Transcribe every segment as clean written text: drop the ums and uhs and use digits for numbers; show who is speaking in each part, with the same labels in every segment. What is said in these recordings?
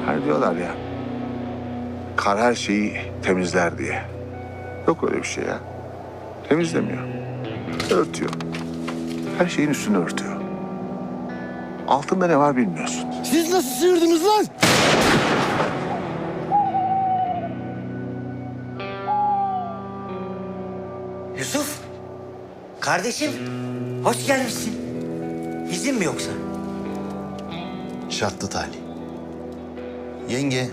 Speaker 1: Hani diyorlar ya, kar her şeyi temizler diye. Yok öyle bir şey ya. Temizlemiyor. Örtüyor. Her şeyin üstünü örtüyor. Altında ne var bilmiyorsun.
Speaker 2: Siz nasıl sıyırdınız lan?
Speaker 3: Yusuf, kardeşim, hoş gelmişsin. İzin mi yoksa?
Speaker 4: Şartlı talih. Yenge,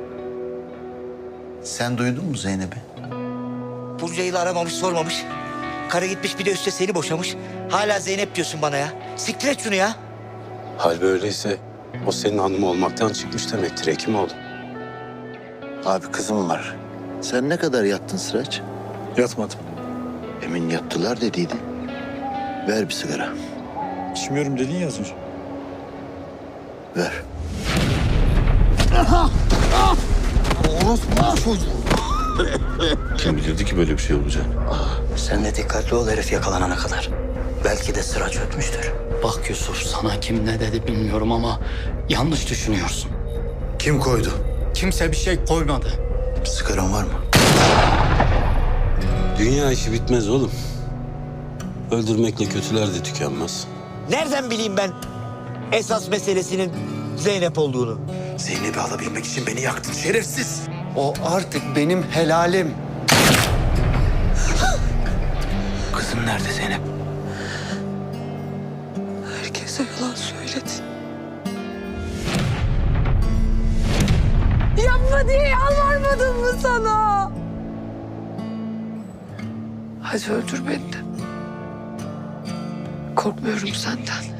Speaker 4: sen duydun mu Zeynep'i?
Speaker 3: Bunca yıl aramamış, sormamış. Karı gitmiş bir de üstte seni boşamış. Hala Zeynep diyorsun bana ya. Siktir et şunu ya.
Speaker 5: Hal böyleyse o senin hanım olmaktan çıkmış demektir Hekimoğlu.
Speaker 4: Abi kızım var. Sen ne kadar yattın Sıraç?
Speaker 2: Yatmadım.
Speaker 4: Emin yattılar dediydi. Ver bir sigara.
Speaker 2: İçmiyorum dedin ya az önce.
Speaker 4: Ver.
Speaker 5: Kim bilirdi ki böyle bir şey olacak?
Speaker 3: Sen de dikkatli ol herif yakalanana kadar. Belki de sıra çökmüştür.
Speaker 6: Bak Yusuf, sana kim ne dedi bilmiyorum ama yanlış düşünüyorsun.
Speaker 4: Kim koydu?
Speaker 6: Kimse bir şey koymadı.
Speaker 4: Sigaran var mı?
Speaker 5: Dünya işi bitmez oğlum. Öldürmekle kötüler de tükenmez.
Speaker 3: Nereden bileyim ben esas meselesinin Zeynep olduğunu?
Speaker 4: Zeynep'i alabilmek için beni yaktın şerefsiz.
Speaker 2: O artık benim helalim.
Speaker 4: Kızım nerede Zeynep?
Speaker 7: Herkese yalan söyledin. Yapma diye yalvarmadım mı sana? Hadi öldür beni de. Korkmuyorum senden.